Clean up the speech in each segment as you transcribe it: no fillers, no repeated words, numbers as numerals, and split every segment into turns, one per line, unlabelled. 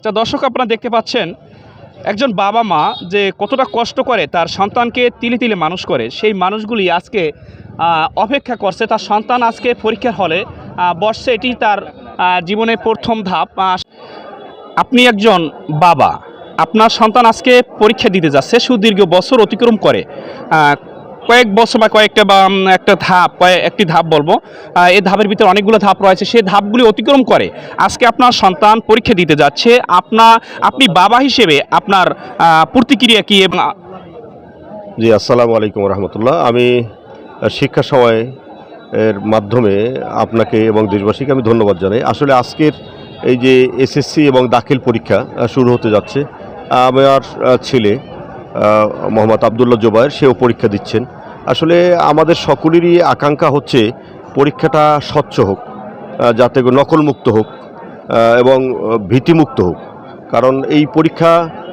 আচ্ছা দর্শক, আপনারা দেখতে পাচ্ছেন একজন বাবা মা যে কতটা কষ্ট করে তার সন্তানকে তিলে তিলে মানুষ করে, সেই মানুষগুলি আজকে অপেক্ষা করছে তার সন্তান আজকে পরীক্ষার হলে বসছে। এটি তার জীবনের প্রথম ধাপ। আপনি একজন বাবা, আপনার সন্তান আজকে পরীক্ষা দিতে যাচ্ছে, সুদীর্ঘ বছর অতিক্রম করে কয়েক বছর বা কয়েকটা বা একটি ধাপ বলবো, এই ধাপের ভিতরে অনেকগুলো ধাপ রয়েছে, সেই ধাপগুলি অতিক্রম করে আজকে আপনার সন্তান পরীক্ষা দিতে যাচ্ছে। আপনি বাবা হিসেবে আপনার প্রতিক্রিয়া কি? এবং
জি, আসসালামু আলাইকুম রহমতুল্লাহ। আমি শিক্ষা সময় এর মাধ্যমে আপনাকে এবং দেশবাসীকে আমি ধন্যবাদ জানাই। আসলে আজকের এই যে এসএসসি এবং দাখিল পরীক্ষা শুরু হতে যাচ্ছে, আমার ছেলে মোহাম্মদ আবদুল্লাহ জোবায়ের, সেও পরীক্ষা দিচ্ছেন। আসলে আমাদের সকলেরই আকাঙ্ক্ষা হচ্ছে পরীক্ষাটা স্বচ্ছ হোক, যাতে নকলমুক্ত হোক এবং ভীতিমুক্ত হোক। কারণ এই পরীক্ষা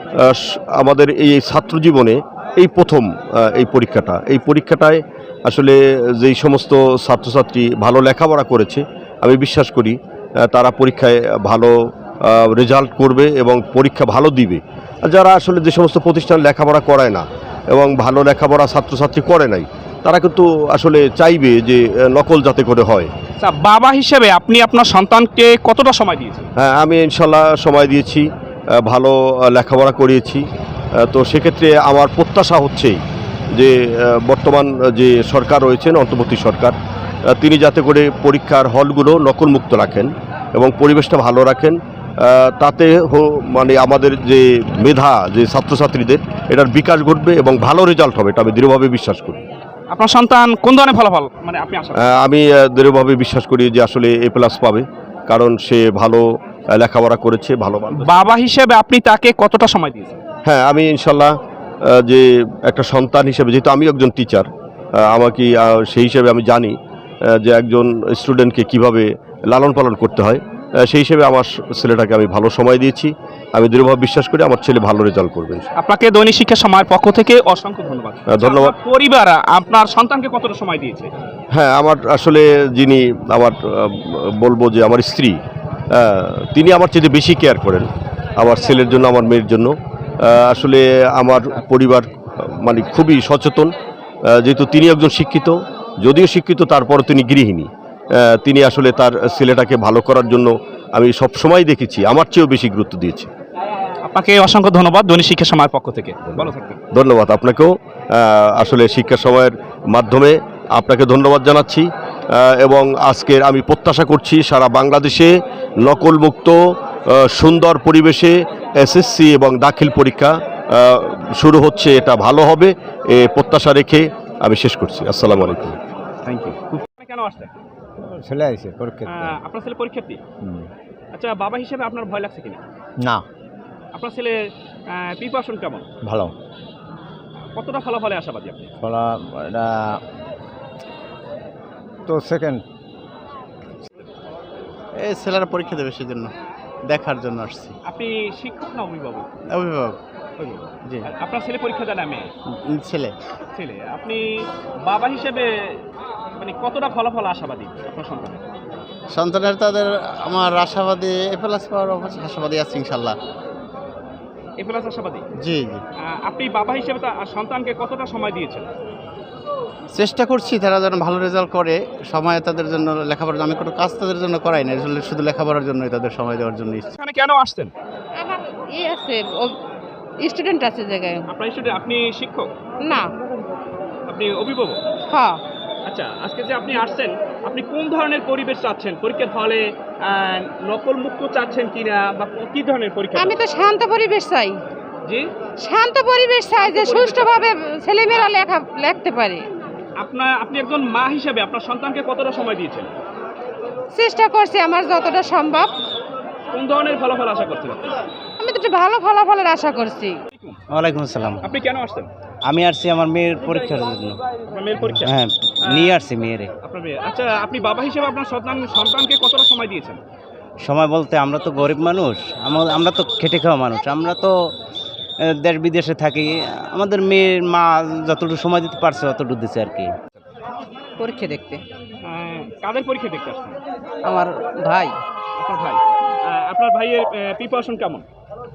আমাদের এই ছাত্র জীবনে এই প্রথম এই পরীক্ষাটায় আসলে যেই সমস্ত ছাত্রছাত্রী ভালো লেখাপড়া করেছে, আমি বিশ্বাস করি তারা পরীক্ষায় ভালো রেজাল্ট করবে এবং পরীক্ষা ভালো দিবে। যারা আসলে যে সমস্ত প্রতিষ্ঠান লেখাপড়া করায় না এবং ভালো লেখাপড়া ছাত্রছাত্রী করে নাই, তারা কিন্তু আসলে চাইবে যে নকল যাতে করে হয়।
বাবা হিসেবে আপনি আপনার সন্তানকে কতটা সময় দিয়েছেন?
হ্যাঁ, আমি ইনশাল্লাহ সময় দিয়েছি, ভালো লেখাপড়া করিয়েছি। তো সেক্ষেত্রে আমার প্রত্যাশা হচ্ছেই যে বর্তমান যে সরকার রয়েছেন, অন্তর্বর্তী সরকার, তিনি যাতে করে পরীক্ষার হলগুলো নকলমুক্ত রাখেন এবং পরিবেশটা ভালো রাখেন। তাতে মানে আমাদের যে মেধা, যে ছাত্রছাত্রীদের, এটার বিকাশ ঘটবে এবং ভালো রেজাল্ট হবে, এটা আমি দৃঢ়ভাবে বিশ্বাস করি।
আপনার সন্তান কোন ধরনের ফলাফল মানে আপনি আশা করেন?
আমি দৃঢ়ভাবে বিশ্বাস করি যে আসলে A+ পাবে, কারণ সে ভালো লেখাপড়া করেছে, ভালো।
বাবা হিসেবে আপনি তাকে কতটা সময় দিয়েছেন?
হ্যাঁ, আমি ইনশাল্লাহ যে একটা সন্তান হিসেবে, যেহেতু আমি একজন টিচার, আমাকে সেই হিসেবে আমি জানি যে একজন স্টুডেন্টকে কিভাবে লালন পালন করতে হয়। সেই হিসেবে আমার ছেলেটাকে আমি ভালো সময় দিয়েছি। আমি দৃঢ়ভাবে বিশ্বাস করি আমার ছেলে ভালো রেজাল্ট করবে।
আপনাকে দৈনিক শিক্ষা সময়ের পক্ষ থেকে অসংখ্য ধন্যবাদ।
ধন্যবাদ।
পরিবার আপনার সন্তানকে কতটা সময় দিয়েছে?
হ্যাঁ, আমার আসলে যিনি আমার বলবো যে আমার স্ত্রী, তিনি আমার চেয়ে বেশি কেয়ার করেন আমার ছেলের জন্য, আমার মেয়ের জন্য। আসলে আমার পরিবার মানে খুবই সচেতন, যেহেতু তিনি একজন শিক্ষিত, যদিও শিক্ষিত তারপরও তিনি গৃহিণী। তিনি আসলে তার ছেলেটাকে ভালো করার জন্য, আমি সব সময় দেখেছি, আমার চেয়েও বেশি গুরুত্ব দিয়েছি।
আপনাকে অসংখ্য ধন্যবাদ দৈনিক শিক্ষা সময়ের পক্ষ থেকে। ভালো থাকবেন।
ধন্যবাদ আপনাকেও। আসলে শিক্ষা সময়ের মাধ্যমে আপনাকে ধন্যবাদ জানাচ্ছি এবং আজকের আমি প্রত্যাশা করছি সারা বাংলাদেশে নকলমুক্ত সুন্দর পরিবেশে এসএসসি এবং দাখিল পরীক্ষা শুরু হচ্ছে, এটা ভালো হবে এ প্রত্যাশা রেখে আমি শেষ করছি। আসসালামু আলাইকুম।
Thank you. কেন আসছেন?
ছেলে আইছে পরীক্ষা দিতে।
আপনার ছেলে পরীক্ষার্থী? আচ্ছা, বাবা হিসেবে আপনার ভয় লাগছে কিনা?
না,
আপনার ছেলের প্রিপারেশন কেমন?
ভালো।
কতটা ফলাফলে আশাবাদী আপনি?
এটা তো সেকেন্ড।
এই ছেলেরা পরীক্ষা দেবে সেজন্য, দেখার জন্য আসছি।
আপনি শিক্ষক না অভিভাবক?
অভিভাবক। জি।
আপনার ছেলে পরীক্ষা দেন? আমি
ছেলে।
ছেলে। আপনি বাবা হিসেবে মানে কতটা ফলাফল আশাবাদী আপনার সন্তানের?
সন্তানের তাদের আমার আশাবাদী A+ পাওয়ার আশাবাদী আছে ইনশাল্লাহ।
A+ আশাবাদী?
জি জি।
আপনি বাবা হিসেবে সন্তানকে কতটা সময় দিয়েছেন?
চেষ্টা করছি তারা যেন ভালো রেজাল্ট করে, সময় তাদের জন্য লেখাপড়া, আমি কোনো কাজ তাদের জন্য করাই না, শুধু লেখাপড়ার জন্যই তাদের সময় দেওয়ার জন্য।
এখানে কেন আসছেন?
আমার আছে স্টুডেন্ট আছে জায়গায়।
আপনার স্টুডেন্ট? আপনি শিক্ষক
না,
আপনি অভিভাবক?
হ্যাঁ।
আচ্ছা, আজকে যে আপনি আসছেন, আপনি কোন ধরনের পরিবেশ চাচ্ছেন? পরীক্ষার হলে নকল মুক্ত চাচ্ছেন কিনা, বা কি ধরনের পরীক্ষা?
আমি তো শান্ত পরিবেশ চাই।
জি,
শান্ত পরিবেশ চাই, যে সুষ্ঠুভাবে ছেলেমেয়েরা লিখতে পারে।
আপনি একজন মা হিসেবে আপনার সন্তানকে কতটা সময় দিয়েছেন?
চেষ্টা করছি আমার যতটা সম্ভব।
কোন ধরনের ফলাফল আশা করছেন?
আমি তো একটু ভালো ফলাফলের আশা করছি।
ওয়ালাইকুম আসসালাম।
আপনি কেন আসছেন?
আমি আসছি আমার মেয়ের পরীক্ষার জন্য।
আপনার মেয়ের পরীক্ষা?
হ্যাঁ, নিয়ে আসছি মেয়েরে।
আপনার মেয়ে। আচ্ছা, আপনি বাবা হিসেবে আপনার সন্তানকে কতটা সময় দিয়েছেন?
সময় বলতে আমরা তো গরিব মানুষ, আমরা তো খেটে খাওয়া মানুষ, আমরা তো দেশ বিদেশে থাকি। আমাদের মেয়ের মা যতটুকু সময় দিতে পারছে অতটুকু দিচ্ছে আর কি।
পরীক্ষা দেখতে।
কাদের পরীক্ষা দেখতে আসছেন?
আমার ভাই।
আপনার ভাই? আপনার ভাইয়ের প্রিপারেশন কেমন?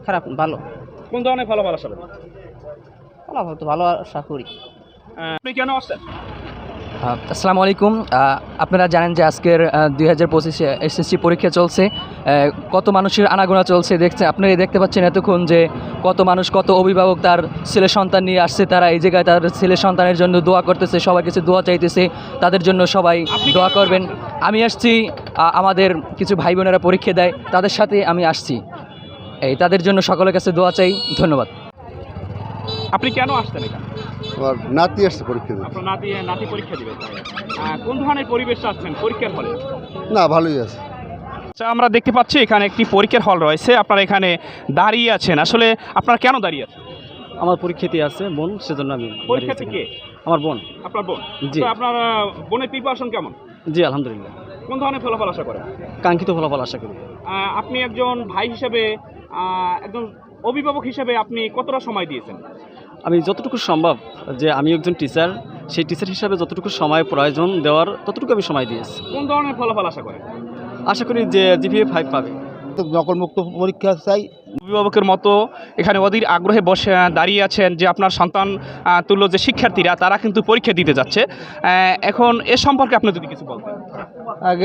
খারাপ ভালো,
কোন ধরনের ফলাফল আশা করেন?
ফলাফল তো ভালো আশা করি।
আপনি কেন আসছেন?
আসসালামু আলাইকুম। আপনারা জানেন যে আজকের 2025 এসএসসি পরীক্ষা চলছে। কত মানুষের আনাগোনা চলছে আপনারা দেখতে পাচ্ছেন এতক্ষণ যে কত মানুষ, কত অভিভাবক তার ছেলে সন্তান নিয়ে আসছে। তারা এই জায়গায় তার ছেলে সন্তানের জন্য দোয়া করতেছে, সবার কাছে দোয়া চাইতেছে, তাদের জন্য সবাই দোয়া করবেন। আমি আসছি, আমাদের কিছু ভাই বোনেরা পরীক্ষা দেয়, তাদের সাথে আমি আসছি, তাদের জন্য সকলের কাছে দোয়া চাই। ধন্যবাদ।
আপনি কেন আসছেন এখানে?
আমার নাতি আসছে পরীক্ষা দিতে।
আপনার নাতি পরীক্ষা দিবে। কোন ধরনের পরিবেশ চাচ্ছেন পরীক্ষার হলে?
না, ভালোই আছে।
আচ্ছা, আমরা দেখতে পাচ্ছি এখানে একটি পরীক্ষার হল রয়েছে, আপনারা এখানে দাঁড়িয়ে আছেন। আসলে আপনারা কেন দাঁড়িয়ে আছেন?
আমার পরীক্ষাতে আছে বোন, সেজন্য আমি
পরীক্ষা থেকে?
আমার বোন।
আপনার বোন?
জি।
তো আপনার বোনের প্রিপারেশন কেমন?
জি আলহামদুলিল্লাহ,
কোন ধরনের ফলাফল আশা করেন?
কাঙ্ক্ষিত ফলাফল আশা করি।
আপনি একজন ভাই হিসেবে, একজন অভিভাবক হিসেবে আপনি কতটা সময় দিয়েছেন?
আমি যতটুকু সম্ভব, যে আমি একজন টিচার, সেই টিচার হিসাবে যতটুকু সময় প্রয়োজন দেওয়ার ততটুকু আমি সময় দিয়েছি।
কোন ধরনের ফলাফল আশা করেন?
আশা করি যে জিপিএ 5 পাবে।
নকলমুক্ত পরীক্ষা চাই।
অভিভাবকের মতো এখানে অধীর আগ্রহে বসে দাঁড়িয়ে আছেন যে আপনার সন্তান তুল্য যে শিক্ষার্থীরা তারা কিন্তু পরীক্ষা দিতে যাচ্ছে। এখন এ সম্পর্কে আপনি যদি কিছু বলতেন।
আগে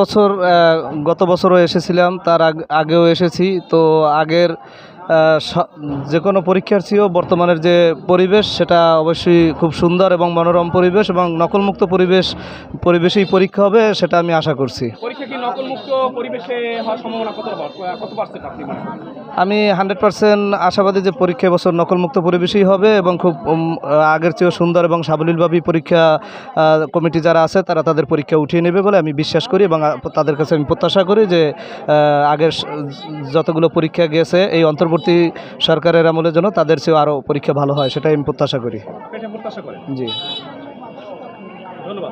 গত বছরও এসেছিলাম, তার আগেও এসেছি। তো আগের যে কোনো পরীক্ষার চেয়েও বর্তমানের যে পরিবেশ সেটা অবশ্যই খুব সুন্দর এবং মনোরম পরিবেশ, এবং নকলমুক্ত পরিবেশেই পরীক্ষা হবে সেটা আমি আশা করছি।
পরীক্ষা কি নকলমুক্ত পরিবেশে হওয়ার সম্ভাবনা কত পার্সেন্ট আপনি মনে করেন?
আমি 100% আশাবাদী যে পরীক্ষা এবছর নকলমুক্ত পরিবেশেই হবে, এবং খুব আগের চেয়েও সুন্দর এবং সাবলীলভাবেই পরীক্ষা কমিটি যারা আছে তারা তাদের পরীক্ষা উঠিয়ে নেবে বলে আমি বিশ্বাস করি, এবং তাদের কাছে আমি প্রত্যাশা করি যে আগের যতগুলো পরীক্ষা গেছে এই অন্তর্বর্তী সরকারের আমলের জন্য তাদের চেয়েও আরও পরীক্ষা ভালো হয়, সেটাই আমি প্রত্যাশা করি। জি,
ধন্যবাদ।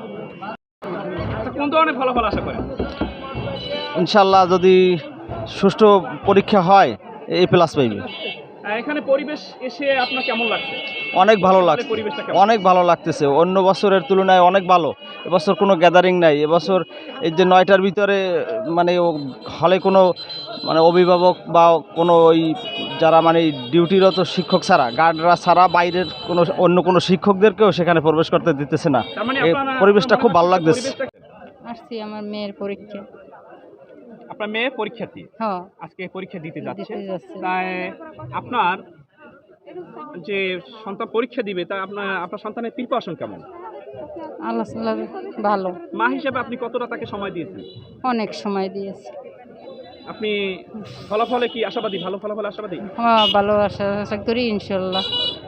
কোন ধরনের ফলাফল আশা করেন?
ইনশাল্লাহ যদি সুষ্ঠু পরীক্ষা হয় A+ পাইবে।
এখানে পরিবেশ এসে আপনার কেমন লাগছে?
অনেক ভালো লাগছে,
পরিবেশটা কেমন?
অনেক ভালো লাগতেছে। অন্য বছরের তুলনায় অনেক ভালো। এবছর কোনো গ্যাদারিং নাই। এবছর এই যে 9টার ভিতরে মানে হলে কোনো মানে অভিভাবক বা কোনো ওই যারা মানে ডিউটিরত শিক্ষক ছাড়া, গার্ডরা ছাড়া বাইরের কোনো অন্য কোনো শিক্ষকদেরকেও সেখানে প্রবেশ করতে দিতেছে না।
তার মানে
এই পরিবেশটা খুব ভালো লাগতেছে।
আসছি আমার মেয়ের পরীক্ষা।
আপনার মেয়ে পরীক্ষার্থী?
হ্যাঁ,
আজকে পরীক্ষা দিতে যাচ্ছে।
দিতে যাচ্ছে।
তাই আপনার যে সন্তান পরীক্ষা দিবে তা আপনার সন্তানের প্রিপারেশন কেমন?
আল্লাহ ভালো।
মা হিসেবে আপনি কতটা তাকে সময় দিয়েছেন?
অনেক সময় দিয়েছে।
আপনি ফলাফলে কি আশাবাদী? ভালো ফলাফল আশাবাদী?
হ্যাঁ, ভালো আশা করি ইনশাল্লাহ।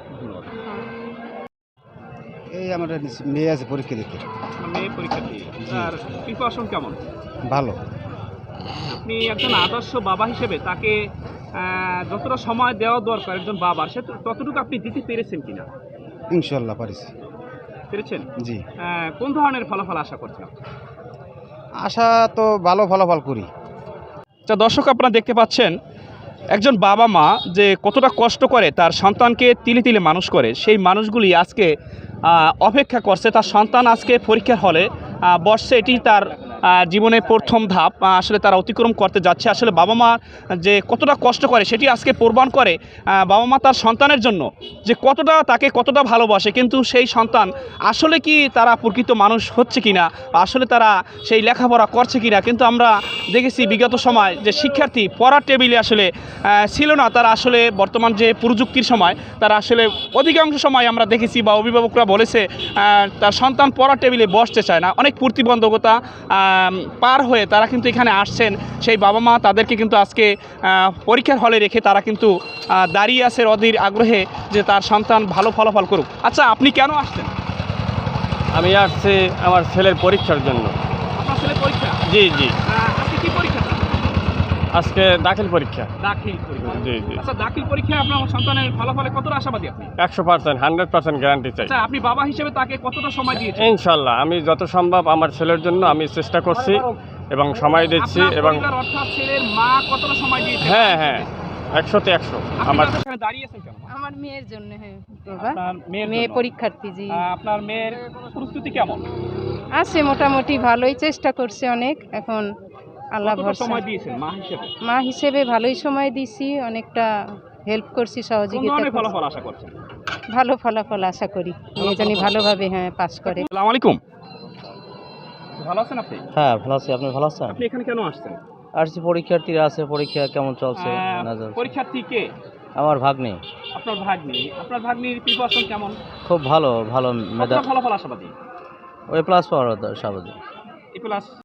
এই আমার মেয়ে আছে পরীক্ষা দিতে।
মেয়ে পরীক্ষার্থী, তার প্রিপারেশন কেমন?
ভালো।
আপনি একজন আদর্শ বাবা হিসেবে তাকে যতটা সময় দেওয়া দরকার একজন বাবার, সে ততটুকু আপনি দিতে পেরেছেন কিনা?
ইনশাল্লাহ পারিছি।
পেরেছেন?
জি।
কোন ধরনের ফলাফল আশা করছেন?
আশা তো ভালো ফলাফল করি।
আচ্ছা দর্শক, আপনারা দেখতে পাচ্ছেন একজন বাবা মা যে কতটা কষ্ট করে তার সন্তানকে তিলে তিলে মানুষ করে, সেই মানুষগুলি আজকে অপেক্ষা করছে তার সন্তান আজকে পরীক্ষার হলে বসছে। এটি তার জীবনের প্রথম ধাপ আসলে তারা অতিক্রম করতে যাচ্ছে। আসলে বাবা মা যে কতটা কষ্ট করে সেটি আজকে প্রমাণ করে বাবা মা তার সন্তানের জন্য যে কতটা ভালোবাসে, কিন্তু সেই সন্তান আসলে কি তারা প্রকৃত মানুষ হচ্ছে কিনা, আসলে তারা সেই লেখাপড়া করছে কিনা। কিন্তু আমরা দেখেছি বিগত সময় যে শিক্ষার্থী পড়ার টেবিলে আসলে ছিল না, তারা আসলে বর্তমান যে প্রযুক্তির সময় তারা আসলে অধিকাংশ সময় আমরা দেখেছি বা অভিভাবকরা বলেছে তার সন্তান পড়ার টেবিলে বসতে চায় না। অনেক প্রতিবন্ধকতা পার হয়ে তারা কিন্তু এখানে আসছেন। সেই বাবা মা তাদেরকে কিন্তু আজকে পরীক্ষার হলে রেখে তারা কিন্তু দাঁড়িয়ে আছে অধীর আগ্রহে যে তার সন্তান ভালো ফলাফল করুক। আচ্ছা, আপনি কেন আসছেন?
আমি আসছি আমার ছেলের পরীক্ষার জন্য।
আপনার ছেলের পরীক্ষা?
জি জি,
আজকে কি পরীক্ষা?
আজকে দাখিল পরীক্ষা।
দাখিল পরীক্ষা?
জি জি।
আচ্ছা, দাখিল পরীক্ষায় আপনার সন্তানের ফলাফলে কতটা আশাবাদী আপনি?
100%, 100% গ্যারান্টি চাই।
আচ্ছা, আপনি বাবা হিসেবে তাকে কতটা সময় দিয়েছেন?
ইনশাল্লাহ আমি যত সম্ভব আমার ছেলের জন্য আমি চেষ্টা করছি এবং সময় দিচ্ছি। এবং
অর্থাৎ ছেলের মা কতটা সময় দিয়েছে?
হ্যাঁ 100তে 100। আমার
এখানে দাঁড়িয়েছেন কেন?
আমার মেয়ের জন্য। হ্যাঁ
আপনার মেয়ের
মেয়ে
জন্য?
পরীক্ষার্থী। জি।
আপনার মেয়ের প্রস্তুতি কেমন?
আছে মোটামুটি ভালোই, চেষ্টা করছে অনেক। এখন আল্লাহ
কতটা
ভরসা।
সময় দিয়েছেন মা হিসেবে?
মা হিসেবে ভালোই সময় দিছি, অনেকটা হেল্প করছি,
কোন
সহযোগিতা
ধরনের
করছি।
ফলাফল আশা করছেন?
ভালো ফলাফল আশা করি, মেয়ে জানি ভালোভাবে পাস করে।
আসসালামু আলাইকুম। ভালো আছেন আপনি?
হ্যাঁ ভালো আছি, আপনি ভালো আছেন?
আপনি এখানে কেন আসছেন?
আসছি পরীক্ষার্থীরা আছে, পরীক্ষা কেমন চলছে না চলছে?
পরীক্ষার্থী কে?
আমার ভাগ্নি
আপনার ভাগ্নি। আপনার ভাগ্নির প্রিপারেশন কেমন?
খুব ভালো ভালো
কতটা ফলাফল আশাবাদী?
ওই প্লাস পাওয়ার স্বাভাবিক।
এ প্লাস